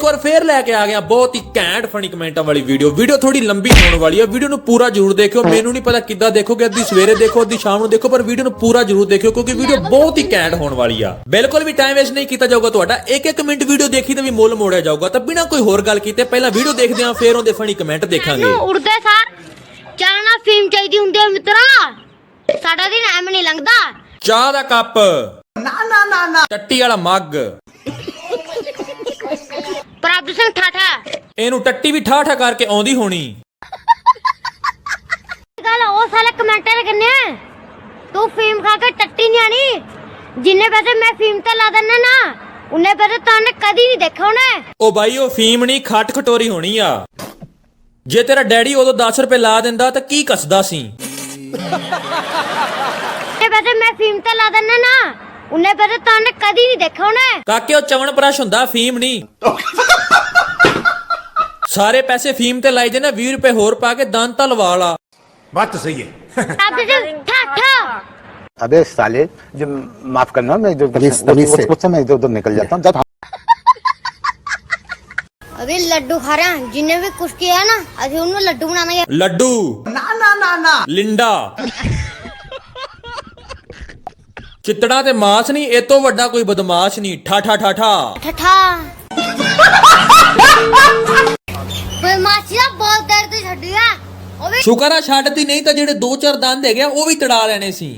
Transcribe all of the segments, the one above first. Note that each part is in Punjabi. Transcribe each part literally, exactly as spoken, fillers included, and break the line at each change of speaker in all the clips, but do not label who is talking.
ਵਾਰ ਫੇਰ ਲੈ ਕੇ ਆ ਗਿਆ ਬਹੁਤ ਹੀ ਘੈਂਟ ਫਨੀ ਕਮੈਂਟਾਂ ਵਾਲੀ ਵੀਡੀਓ। ਵੀਡੀਓ ਥੋੜੀ ਲੰਬੀ ਹੋਣ ਵਾਲੀ ਹੈ, ਵੀਡੀਓ ਨੂੰ ਪੂਰਾ ਜ਼ਰੂਰ ਦੇਖਿਓ। ਮੈਨੂੰ ਨਹੀਂ ਪਤਾ ਕਿੱਦਾਂ ਦੇਖੋਗੇ, ਅੱਧੀ ਸਵੇਰੇ ਦੇਖੋ ਅੱਧੀ ਸ਼ਾਮ ਨੂੰ ਦੇਖੋ, ਪਰ ਵੀਡੀਓ ਨੂੰ ਪੂਰਾ ਜ਼ਰੂਰ ਦੇਖਿਓ ਕਿਉਂਕਿ ਵੀਡੀਓ ਬਹੁਤ ਹੀ ਘੈਂਟ ਹੋਣ ਵਾਲੀ ਆ। ਬਿਲਕੁਲ ਵੀ ਟਾਈਮ ਵੇਸਟ ਨਹੀਂ ਕੀਤਾ ਜਾਊਗਾ ਤੁਹਾਡਾ, ਇੱਕ ਇੱਕ ਮਿੰਟ ਵੀਡੀਓ ਦੇਖੀ ਤਾਂ ਵੀ ਮੁੱਲ ਮੋੜਿਆ ਜਾਊਗਾ। ਤਾਂ ਬਿਨਾਂ ਕੋਈ ਹੋਰ ਗੱਲ ਕੀਤੇ ਪਹਿਲਾਂ ਵੀਡੀਓ ਦੇਖਦੇ ਆਂ, ਫੇਰ ਉਹਦੇ ਫਨੀ ਕਮੈਂਟ ਦੇਖਾਂਗੇ।
ਉੜਦੇ ਸਾਰ ਚਾਹਨਾ ਫੀਮ ਚਾਹੀਦੀ ਹੁੰਦੀ ਹੈ ਮਿੱਤਰਾ, ਸਾਡਾ ਦਿਨ ਐਵੇਂ ਨਹੀਂ ਲੰਘਦਾ।
ਚਾਹ ਦਾ ਕੱਪ ਨਾ ਨਾ ਨਾ ਨਾ, ਟੱਟੀ ਵਾਲਾ ਮੱਗ,
ਪ੍ਰਭ ਸਿੰਘ ਠਾਠਾ,
ਇਹਨੂੰ ਟੱਟੀ ਵੀ ਠਾਠਾ ਕਰਕੇ ਆਉਂਦੀ ਹੋਣੀ।
ਗੱਲ ਉਹ ਸਾਲੇ ਕਮੈਂਟਰ ਕਰਨੇ ਤੂੰ ਫੀਮ ਖਾ ਕੇ ਟੱਟੀ ਨਹੀਂ ਆਣੀ, ਜਿੰਨੇ ਪੈਸੇ ਮੈਂ ਫੀਮ ਤੇ ਲਾ ਦਿੰਨਾ ਨਾ ਉਹਨੇ ਪੈਸੇ ਤੈਨੂੰ ਕਦੀ ਨਹੀਂ ਦੇਖੇ ਹੋਣੇ।
ਉਹ ਬਾਈ ਉਹ ਫੀਮ ਨਹੀਂ ਖੱਟ ਖਟੋਰੀ ਹੋਣੀ ਆ। ਜੇ ਤੇਰਾ ਡੈਡੀ ਉਦੋਂ ਦਸ ਰੁਪਏ ਲਾ ਦਿੰਦਾ ਤਾਂ ਕੀ ਕੱਸਦਾ ਸੀ।
ਇਹ ਪੈਸੇ ਮੈਂ ਫੀਮ ਤੇ ਲਾ ਦਿੰਨਾ ਨਾ ਉਹਨੇ ਪੈਸੇ ਤੈਨੂੰ ਕਦੀ ਨਹੀਂ ਦੇਖੇ ਹੋਣੇ।
ਕਾਕੇ ਉਹ ਚਵਣ ਪ੍ਰਸ਼ ਹੁੰਦਾ, ਫੀਮ ਨਹੀਂ। ਸਾਰੇ ਪੈਸੇ ਫੀਮ ਤੇ ਲਾਈ ਜੇ ਨਾ, ਵੀਹ ਰੁਪਏ ਹੋਰ ਪਾ ਕੇ ਦੰਦ ਤਾਂ ਲਵਾ ਲਾ।
बात तो सही है।
ਪ੍ਰਭ ਸਿੰਘ ਠਾਠਾ।
अबे साले, जो माफ करना, मैं जो मुझसे मैं इधर उधर निकल जाता हूँ। जब
अभी लड्डू खा रहे हैं, जिन्हें भी कुछ किया ना अभी उन्हें लड्डू बनाना है।
ਲੱਡੂ ਨਾ ਨਾ ਨਾ ਨਾ, ਲਿੰਡਾ ਚਿੱਤੜਾ ਤੇ ਮਾਸ ਨਹੀਂ, ਇਹ ਤੋਂ ਵੱਡਾ ਕੋਈ ਬਦਮਾਸ਼ ਨਹੀਂ। ਠਾਠਾ ਠਾਠਾ
ਠਾਠਾ ਬਦਮਾਸ਼ੀ ਦਾ ਬਹੁਤ ਦਰਦ ਛੱਡੀ ਆ ਉਹ ਵੀ।
ਸ਼ੁਕਰ ਆ ਛੱਡਦੀ, ਨਹੀਂ ਤਾਂ ਜਿਹੜੇ ਦੋ ਚਾਰ ਦੰਦ ਹੈਗੇ ਉਹ ਵੀ ਤੜਾ ਲੈਣੇ ਸੀ।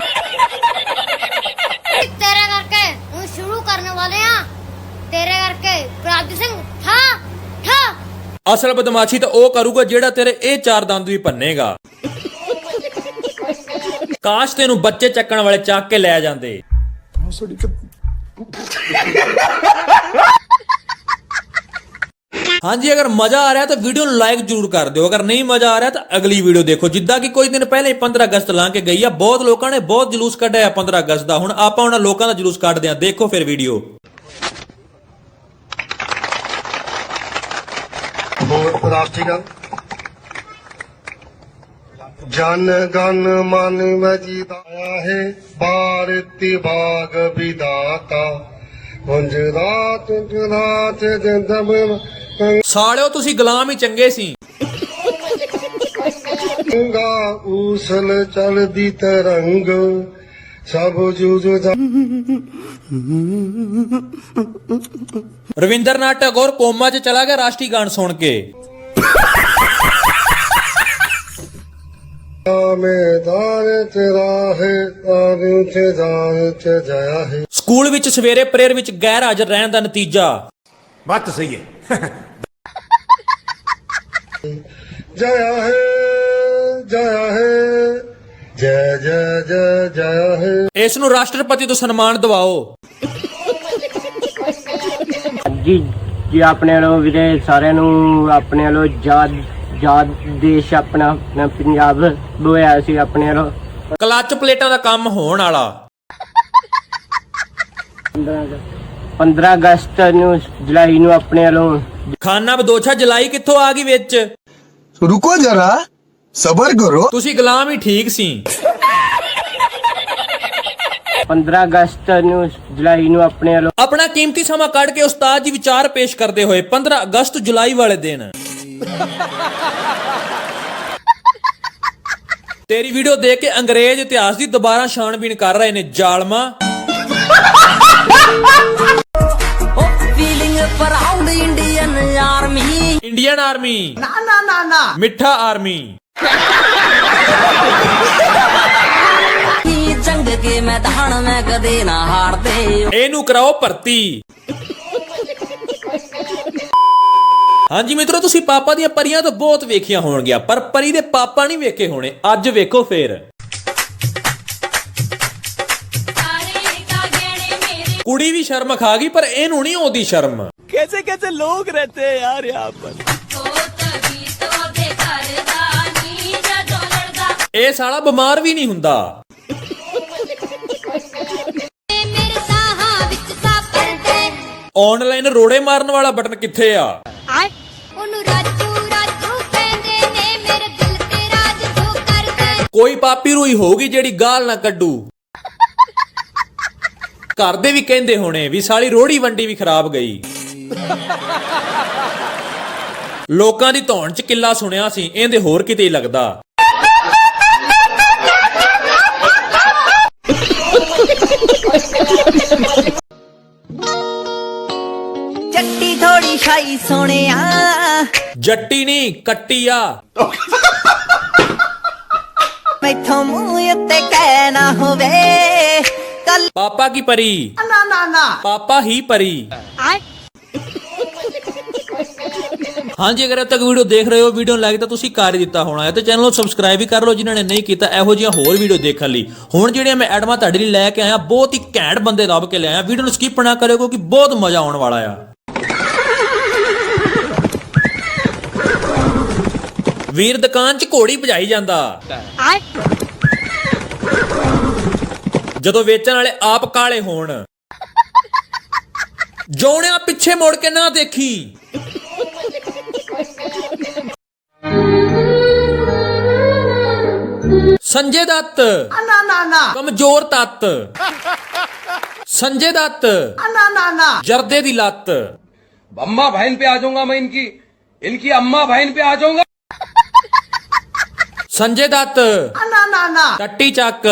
तेरे करके हम शुरू करने वाले हैं, तेरे करके प्रभ सिंह ठा ठा।
ਅਸਲ ਬਦਮਾਸ਼ੀ ਤਾਂ ਉਹ ਕਰੂਗਾ ਜਿਹੜਾ ਤੇਰੇ ਇਹ ਚਾਰ ਦੰਦ ਵੀ ਭੰਨੇਗਾ। ਕਾਸ਼ ਤੈਨੂੰ ਬੱਚੇ ਚੱਕਣ ਵਾਲੇ ਚੱਕ ਕੇ ਲੈ ਜਾਂਦੇ। ਹਾਂਜੀ, ਅਗਰ ਮਜ਼ਾ ਆ ਰਿਹਾ ਤਾਂ ਵੀਡੀਓ ਨੂੰ ਲਾਈਕ ਜ਼ਰੂਰ ਕਰ ਦਿਓ, ਅਗਰ ਨਹੀਂ ਮਜ਼ਾ ਆ ਰਿਹਾ ਤਾਂ ਅਗਲੀ ਵੀਡੀਓ ਦੇਖੋ। ਜਿੱਦਾਂ ਕਿ ਕੁਝ ਦਿਨ ਪਹਿਲੇ ਪੰਦਰਾਂ ਅਗਸਤ ਲੰਘ ਕੇ ਗਈ ਆ, ਬਹੁਤ ਲੋਕਾਂ ਨੇ ਬਹੁਤ ਜਲੂਸ ਕੱਢਿਆ ਪੰਦਰਾਂ ਅਗਸਤ ਦਾ। ਹੁਣ ਆਪਾਂ ਉਹਨਾਂ ਲੋਕਾਂ ਦਾ ਜਲੂਸ ਕੱਢਦੇ ਆ, ਦੇਖੋ ਫਿਰ ਵੀਡੀਓ।
ਰਾਸ਼ਟਰੀਗਾਨ ਜਨ ਗਨ ਮਨ ਵਜੀਦਾ ਹੈ, ਭਾਰਤੀ ਬਾਗ ਵਿਦਾਤਾ ਹੁੰਜ ਰਾਤ ਰਾਤ ਜੰਦਮ।
ਸਾਲਿਓ ਤੁਸੀਂ ਗੁਲਾਮ ਹੀ ਚੰਗੇ ਸੀ।
ਗੰਗਾ ਉਸਲ ਚਲਦੀ ਤਰੰਗ ਸਭ ਜੂਝ।
ਰਵਿੰਦਰਨਾਥ ਟੈਗੋਰ ਕੋਮਾ 'ਚ ਚਲਾ ਗਿਆ ਰਾਸ਼ਟਰੀ ਗਾਨ ਸੁਣ ਕੇ।
ਮੈਦਾਨ ਤੇਰਾ ਹੈ ਤਾਰੂ ਤੇ ਜਾਨ ਤੇ ਜਾਇਆ ਹੈ।
ਸਕੂਲ ਵਿੱਚ ਸਵੇਰੇ ਪ੍ਰੇਅਰ ਵਿੱਚ ਗੈਰ ਹਾਜ਼ਰ ਰਹਿਣ ਦਾ ਨਤੀਜਾ।
बात तो सही है।
ਜਾਇਆ ਹੈ ਜਾਇਆ ਹੈ ਜੈ ਜੈ ਜੈ ਜਾਇਆ ਹੈ।
ਇਸ ਨੂੰ ਰਾਸ਼ਟਰਪਤੀ ਤੋਂ ਸਨਮਾਨ ਦਿਵਾਓ।
ਜੀ ਜੀ ਆਪਣੇ ਵੱਲੋਂ ਵੀਰੇ ਸਾਰਿਆਂ ਨੂੰ ਆਪਣੇ ਵੱਲੋਂ ਆਜ਼ਾਦ ਆਜ਼ਾਦ ਦੇਸ਼ ਆਪਣਾ ਆਪਣਾ ਪੰਜਾਬ ਹੋਇਆ ਸੀ ਆਪਣੇ ਵੱਲੋਂ।
ਕਲੱਚ ਪਲੇਟਾਂ ਦਾ ਕੰਮ ਹੋਣ ਵਾਲਾ।
ਪੰਦਰਾਂ ਅਗਸਤ ਨੂੰ ਜੁਲਾਈ ਨੂੰ ਆਪਣੇ ਵੱਲੋਂ
ਖਾਨਾ ਬਦੋਛਾ ਜਲਾਈ ਕਿੱਥੋਂ ਆ ਗਈ ਵਿੱਚ।
रुको जरा सबर करो।
ਤੁਸੀਂ ਗੁਲਾਮ ਹੀ ਠੀਕ ਸੀ।
ਪੰਦਰਾਂ ਅਗਸਤ ਨੂੰ ਜੁਲਾਈ ਨੂੰ ਆਪਣੇ ਵੱਲੋਂ
ਆਪਣਾ ਕੀਮਤੀ ਸਮਾਂ ਕੱਢ ਕੇ ਉਸਤਾਦ ਜੀ ਵਿਚਾਰ ਪੇਸ਼ ਕਰਦੇ ਹੋਏ ਪੰਦਰਾਂ ਅਗਸਤ ਜੁਲਾਈ ਵਾਲੇ ਦਿਨ ਤੇਰੀ ਵੀਡੀਓ ਦੇਖ ਕੇ ਅੰਗਰੇਜ਼ ਇਤਿਹਾਸ ਦੀ ਦੁਬਾਰਾ ਛਾਣਬੀਣ ਕਰ ਰਹੇ ਨੇ ਜ਼ਾਲਮਾ।
इंडियन आर्मी
इंडियन आर्मी ना ना ना ना मिठा आर्मी।
जंग के मैदान में कदे ना हारते
ਇਹਨੂੰ ਕਰਾਓ ਭਰਤੀ। ਹਾਂਜੀ ਮਿੱਤਰੋ, ਤੁਸੀਂ ਪਾਪਾ ਦੀਆਂ ਪਰੀਆਂ ਤਾਂ ਬਹੁਤ ਵੇਖੀਆਂ ਹੋਣਗੀਆਂ, ਪਰ ਪਰੀ ਦੇ ਪਾਪਾ ਨਹੀਂ ਵੇਖੇ ਹੋਣੇ। ਅੱਜ ਵੇਖੋ ਫੇਰ। ਕੁੜੀ ਵੀ ਸ਼ਰਮ ਖਾ ਗਈ ਪਰ ਇਹਨੂੰ ਨਹੀਂ ਆਉਂਦੀ ਸ਼ਰਮ।
कैसे कैसे लोग रहते हैं यार यहाँ पर।
ਇਹ ਸਾਲਾ ਬਿਮਾਰ ਵੀ ਨਹੀਂ ਹੁੰਦਾ। ਆਨਲਾਈਨ ਰੋੜੇ ਮਾਰਨ ਵਾਲਾ ਬਟਨ ਕਿੱਥੇ ਆ? ਕੋਈ ਪਾਪੀ ਰੂਈ ਹੋਊਗੀ ਜਿਹੜੀ ਗਾਲ ਨਾ ਕੱਢੂ। ਘਰ ਦੇ ਵੀ ਕਹਿੰਦੇ ਹੋਣੇ ਵੀ ਸਾਲੀ ਰੋੜੀ ਵੰਡੀ ਵੀ ਖਰਾਬ ਗਈ। ਲੋਕਾਂ ਦੀ ਧੌਣ 'ਚ ਕਿੱਲਾ ਸੁਣਿਆ ਸੀ, ਇਹਦੇ ਹੋਰ ਕਿਤੇ ਹੀ ਲੱਗਦਾ।
ਚੱਟੀ ਥੋੜੀ ਸ਼ਾਈ ਸੋਹਣਿਆ
ਜੱਟੀ ਨਹੀਂ ਕੱਟੀ ਆ।
ਮੈਥੋਂ ਮੂੰਹ ਉੱਤੇ ਕਹਿ ਨਾ ਹੋਵੇ ਕੱਲ
ਪਾਪਾ ਕੀ ਪਰੀ,
ਨਾ ਨਾ ਨਾ
ਪਾਪਾ ਹੀ ਪਰੀ। ਹਾਂਜੀ, ਅਗਰ ਅਬ ਤੱਕ ਵੀਡੀਓ ਦੇਖ ਰਹੇ ਹੋ, ਵੀਡੀਓ ਨੂੰ ਲਾਈਕ ਤਾਂ ਤੁਸੀਂ ਕਰ ਹੀ ਦਿੱਤਾ ਹੋਣਾ ਹੈ ਤੇ ਚੈਨਲ ਨੂੰ ਸਬਸਕ੍ਰਾਈਬ ਵੀ ਕਰ ਲਓ ਜਿਨ੍ਹਾਂ ਨੇ ਨਹੀਂ ਕੀਤਾ ਇਹੋ ਜਿਹੀਆਂ ਹੋਰ ਵੀਡੀਓ ਦੇਖਣ ਲਈ। ਹੁਣ ਜਿਹੜੀਆਂ ਮੈਂ ਐਡਮਾਂ ਤੁਹਾਡੇ ਲਈ ਲੈ ਕੇ ਆਇਆ, ਬਹੁਤ ਹੀ ਘੈਂਟ ਬੰਦੇ ਲੱਭ ਕੇ ਲਿਆਇਆ। ਵੀਡੀਓ ਨੂੰ ਸਕਿਪ ਨਾ ਕਰਿਓ ਕਿਉਂਕਿ ਬਹੁਤ ਮਜ਼ਾ ਆਉਣ ਵਾਲਾ ਆ। ਵੀਰ ਦੁਕਾਨ 'ਚ ਘੋੜੀ ਭਜਾਈ ਜਾਂਦਾ, ਜਦੋਂ ਵੇਚਣ ਵਾਲੇ ਆਪ ਕਾਲੇ ਹੋਣ। ਜੋਣਿਆ ਪਿੱਛੇ ਮੁੜ ਕੇ ਨਾ ਦੇਖੀ। ਸੰਜੇ ਦੱਤ
ਨਾ ਨਾ ਨਾ
ਕਮਜ਼ੋਰ ਤੱਤ। ਸੰਜੇ ਦੱਤ
ਨਾ ਨਾ ਨਾ
ਜਰਦੇ ਦੀ ਲੱਤ।
अम्मा बहन पे आ जाऊंगा मैं, इनकी इनकी अम्मा बहन पे आ जाऊंगा।
ਸੰਜੇ ਦੱਤ
ਨਾ ਨਾ ਨਾ
ਟੱਟੀ ਚੱਕ।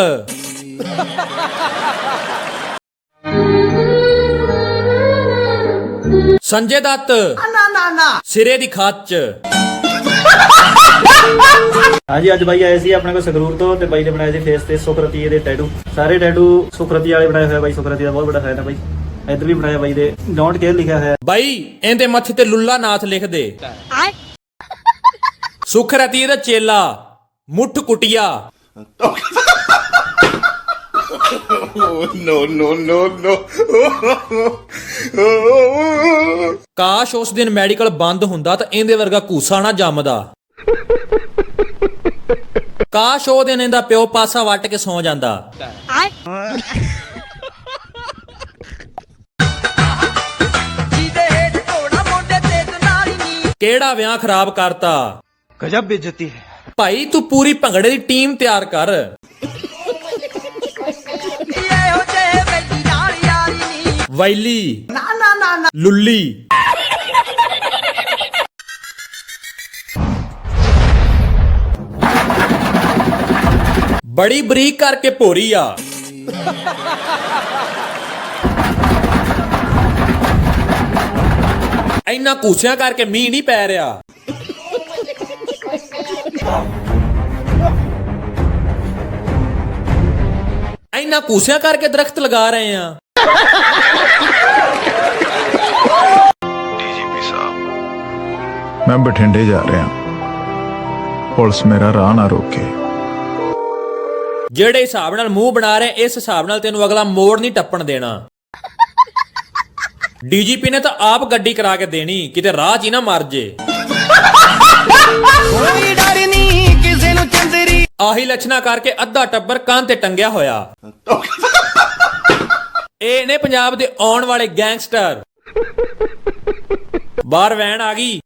ਸੰਜੇ ਦੱਤ
ਨਾ ਨਾ ਨਾ
ਸਿਰੇ ਦੀ ਖੱਚ।
ਹਾਂਜੀ, ਅੱਜ ਬਾਈ ਆਏ ਸੀ ਆਪਣੇ ਕੋਲ ਸੰਗਰੂਰ ਤੋਂ ਤੇ ਬਾਈ ਨੇ ਬਣਾਏ ਸੀ ਫੇਸ ਤੇ ਸੁਖਰਤੀ ਦੇ ਟੈਟੂ। ਸਾਰੇ ਟੈਟੂ ਸੁਖਰਤੀ ਵਾਲੇ ਬਣਾਏ ਹੋਏ ਬਾਈ। ਸੁਖਰਤੀ ਦਾ ਬਹੁਤ ਬੜਾ ਫੈਨ ਹੈ ਬਾਈ। ਇੱਧਰ ਵੀ ਬਣਾਇਆ ਬਾਈ ਦੇ ਡੋਂਟ ਕੇਅਰ ਲਿਖਿਆ ਹੋਇਆ
ਬਾਈ। ਇਹਦੇ ਮੱਥੇ ਤੇ ਲੁੱਲਾ ਨਾਥ ਲਿਖ ਦੇ। ਸੁਖਰਤੀ ਦਾ ਚੇਲਾ ਮੁੱਠ ਕੁਟਿਆ।
नो नो नो नो
ਕਾਸ਼ ਉਸ ਦਿਨ ਮੈਡੀਕਲ ਬੰਦ ਹੁੰਦਾ ਤਾਂ ਇਹਦੇ ਵਰਗਾ ਘੂਸਾ ਨਾ ਜੰਮਦਾ। ਕਾਸ਼ ਉਹ ਦਿਨ ਇਹਦਾ ਪਿਓ ਪਾਸਾ ਵੱਟ ਕੇ ਸੌ ਜਾਂਦਾ। ਕਿਹੜਾ ਵਿਆਹ ਖਰਾਬ ਕਰਤਾ।
गजब बेइज्जती है।
ਭਾਈ ਤੂੰ ਪੂਰੀ ਭੰਗੜੇ ਦੀ ਟੀਮ ਤਿਆਰ ਕਰ। ਵੈਲੀ
ਨਾ ਨਾ ਨਾ ਨਾ
ਲੁੱਲੀ। ਬੜੀ ਬਰੀਕ ਕਰਕੇ ਭੋਰੀ ਆ। ਇੰਨਾ ਕੂਸਿਆਂ ਕਰਕੇ ਮੀਂਹ ਨਹੀਂ ਪੈ ਰਿਹਾ। ਇੰਨਾ ਕੂਸਿਆਂ ਕਰਕੇ ਦਰਖਤ ਲਗਾ ਰਹੇ ਆ।
ਡੀਜੀਪੀ ਸਾਹਿਬ, ਮੈਂ ਬਠਿੰਡੇ ਜਾ ਰਿਹਾ, ਪੁਲਿਸ ਮੇਰਾ ਰਾਹ ਨਾ ਰੋਕੇ।
ਜਿਹੜੇ ਹਿਸਾਬ ਨਾਲ ਮੂੰਹ ਬਣਾ ਰਹੇ, ਇਸ ਹਿਸਾਬ ਨਾਲ ਤੈਨੂੰ ਅਗਲਾ ਮੋੜ ਨਹੀਂ ਟੱਪਣ ਦੇਣਾ। ਡੀਜੀਪੀ ਨੇ ਤਾਂ ਆਪ ਗੱਡੀ ਕਰਾ ਕੇ ਦੇਣੀ, ਕਿਤੇ ਰਾਹ 'ਚ ਹੀ ਨਾ ਮਰ ਜੇ।
ਕੋਈ ਡਰ ਨਹੀਂ ਕਿਸੇ ਨੂੰ ਚੰਦਰੀ।
ਆਹੀ ਲੱਛਣਾ ਕਰਕੇ ਅੱਧਾ ਟੱਬਰ ਕੰਨ ਤੇ ਟੰਗਿਆ ਹੋਇਆ। ਇਹ ਨੇ ਪੰਜਾਬ ਦੇ ਆਉਣ ਵਾਲੇ ਗੈਂਗਸਟਰ। ਬਾਹਰ ਵੈਨ ਆ ਗਈ।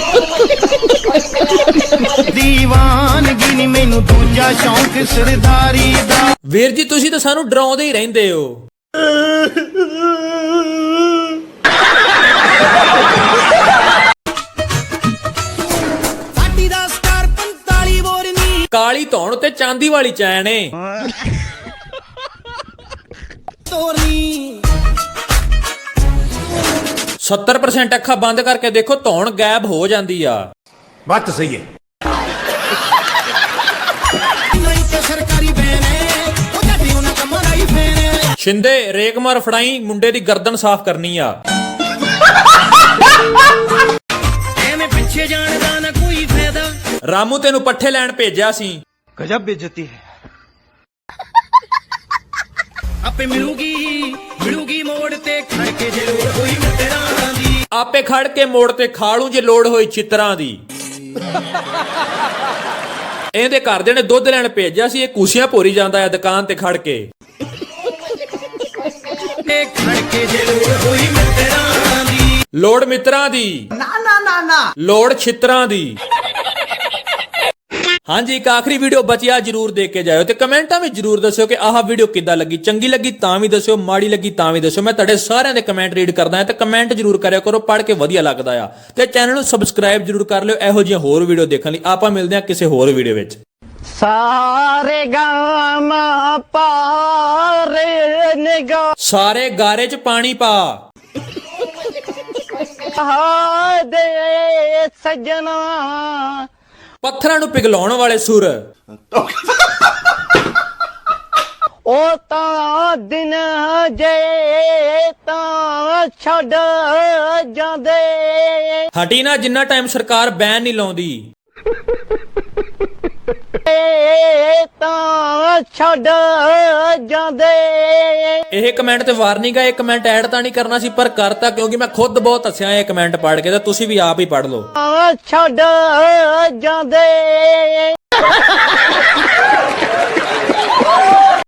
ਦੀਵਾਨਗੀ ਨੀ ਮੈਨੂੰ ਦੂਜਾ ਸ਼ੌਂਕ ਸਰਦਾਰੀ ਦਾ।
ਵੀਰ ਜੀ ਤੁਸੀਂ ਤਾਂ ਸਾਨੂੰ ਡਰਾਉਂਦੇ ਹੀ ਰਹਿੰਦੇ ਹੋ।
ਸਾਡੀ ਦਾ ਸਟਾਰ ਪੰਤਾਲੀ ਬੋਰਨੀ।
ਕਾਲੀ ਧੌਣ ਤੇ ਚਾਂਦੀ ਵਾਲੀ ਚੈਨ ਏ।
ਤੋਰਨੀ
ਸੱਤਰ ਪਰਸੈਂਟ ਅੱਖਾਂ ਬੰਦ ਕਰਕੇ ਦੇਖੋ, ਧੌਣ ਗਾਇਬ ਹੋ ਜਾਂਦੀ ਆ।
बात तो सही है।
ਨਹੀਂ ਤੇ ਸਰਕਾਰੀ ਬੈਨੇ ਉਹ ਜੱਟੀ ਉਹਨਾਂ ਕੰਮਾਂ ਦਾ ਹੀ ਫੇਨੇ।
ਸ਼ਿੰਦੇ ਰੇਕ ਮਾਰ ਫੜਾਈ, ਮੁੰਡੇ ਦੀ ਗਰਦਨ ਸਾਫ਼ ਕਰਨੀ ਆ।
ਐਵੇਂ ਪਿੱਛੇ ਜਾਣ ਦਾ ਨਾ ਕੋਈ ਫਾਇਦਾ।
ਰਾਮੂ ਤੈਨੂੰ ਪੱਠੇ ਲੈਣ ਭੇਜਿਆ ਸੀ।
गजब बेइज्जती है।
ਆਪੇ ਮਿਲੂਗੀ ਮਿਲੂਗੀ ਮੋੜ ਤੇ ਖੜ ਕੇ ਜੇ ਲੋੜ ਹੋਈ ਮਿੱਤਰਾਂ ਦੀ।
ਆਪੇ ਖੜ ਕੇ ਮੋੜ ਤੇ ਖਾਲੂ ਜੇ ਲੋੜ ਹੋਈ ਚਿੱਤਰਾਂ ਦੀ। ਇਹਦੇ ਘਰਦੇ ਨੇ ਦੁੱਧ ਲੈਣ ਭੇਜਿਆ ਸੀ, ਇਹ ਕੂਸੀਆਂ ਭੋਰੀ ਜਾਂਦਾ ਹੈ ਦੁਕਾਨ ਤੇ ਖੜ ਕੇ।
ਤੇ ਖੜ ਕੇ ਜੇ ਲੋੜ ਹੋਈ ਮਿੱਤਰਾਂ ਦੀ।
ਲੋੜ ਮਿੱਤਰਾਂ ਦੀ,
ਨਾ ਨਾ ਨਾ ਨਾ
ਲੋੜ ਛਿੱਤਰਾਂ ਦੀ। ਹਾਂਜੀ ਇੱਕ ਆਖਰੀ ਵੀਡੀਓ ਬਚਿਆ ਜਰੂਰ ਦੇਖ ਕੇ ਜਾਇਓ ਤੇ ਕਮੈਂਟਾਂ ਵਿੱਚ ਜਰੂਰ ਦੱਸਿਓ ਕਿ ਆਹ ਵੀਡੀਓ ਕਿੱਦਾਂ ਲੱਗੀ, ਚੰਗੀ ਲੱਗੀ ਤਾਂ ਵੀ ਦੱਸਿਓ, ਮਾੜੀ ਲੱਗੀ ਤਾਂ ਵੀ ਦੱਸਿਓ। ਮੈਂ ਤੁਹਾਡੇ ਸਾਰਿਆਂ ਦੇ ਕਮੈਂਟ ਰੀਡ ਕਰਦਾ ਹਾਂ ਤੇ ਕਮੈਂਟ ਜਰੂਰ ਕਰਿਆ ਕਰੋ, ਪੜ੍ਹ ਕੇ ਵਧੀਆ ਲੱਗਦਾ ਆ। ਤੇ ਚੈਨਲ ਨੂੰ ਸਬਸਕ੍ਰਾਈਬ ਜਰੂਰ ਕਰ ਲਿਓ ਇਹੋ ਜਿਹੀਆਂ ਹੋਰ ਵੀਡੀਓ ਦੇਖਣ ਲਈ। ਆਪਾਂ ਮਿਲਦੇ ਹਾਂ ਕਿਸੇ ਹੋਰ ਵੀਡੀਓ ਵਿੱਚ।
ਸਾਰੇ ਗਾਮ ਪਾਰੇ ਨਿਗਾ
ਸਾਰੇ ਗਾਰੇ 'ਚ ਪਾਣੀ ਪਾ
ਦੇ ਸਜਣਾ
ਪੱਥਰਾਂ ਨੂੰ ਪਿਘਲਾਉਣ ਵਾਲੇ ਸੁਰ
ਉਹ ਤਾਂ ਦਿਨ ਜੇ ਤਾਂ ਛੱਡ ਜਾਂਦੇ
ਹਟੀ ਨਾ ਜਿੰਨਾ ਟਾਈਮ ਸਰਕਾਰ ਬੈਨ ਨਹੀਂ ਲਾਉਂਦੀ।
ਤਾਂ ਛੱਡ ਜਾਂਦੇ।
ਇਹ ਕਮੈਂਟ ਤੇ ਵਾਰਨਿੰਗ ਆ, ਇਹ ਕਮੈਂਟ ਐਡ ਤਾਂ ਨਹੀਂ ਕਰਨਾ ਸੀ ਪਰ ਕਰਤਾ ਕਿਉਂਕਿ ਮੈਂ ਖੁਦ ਬਹੁਤ ਹੱਸਿਆ ਇਹ ਕਮੈਂਟ ਪੜ੍ਹ ਕੇ, ਤਾਂ ਤੁਸੀਂ ਵੀ ਆਪ ਹੀ ਪੜ੍ਹ ਲਓ।
ਛੱਡ ਜਾਂਦੇ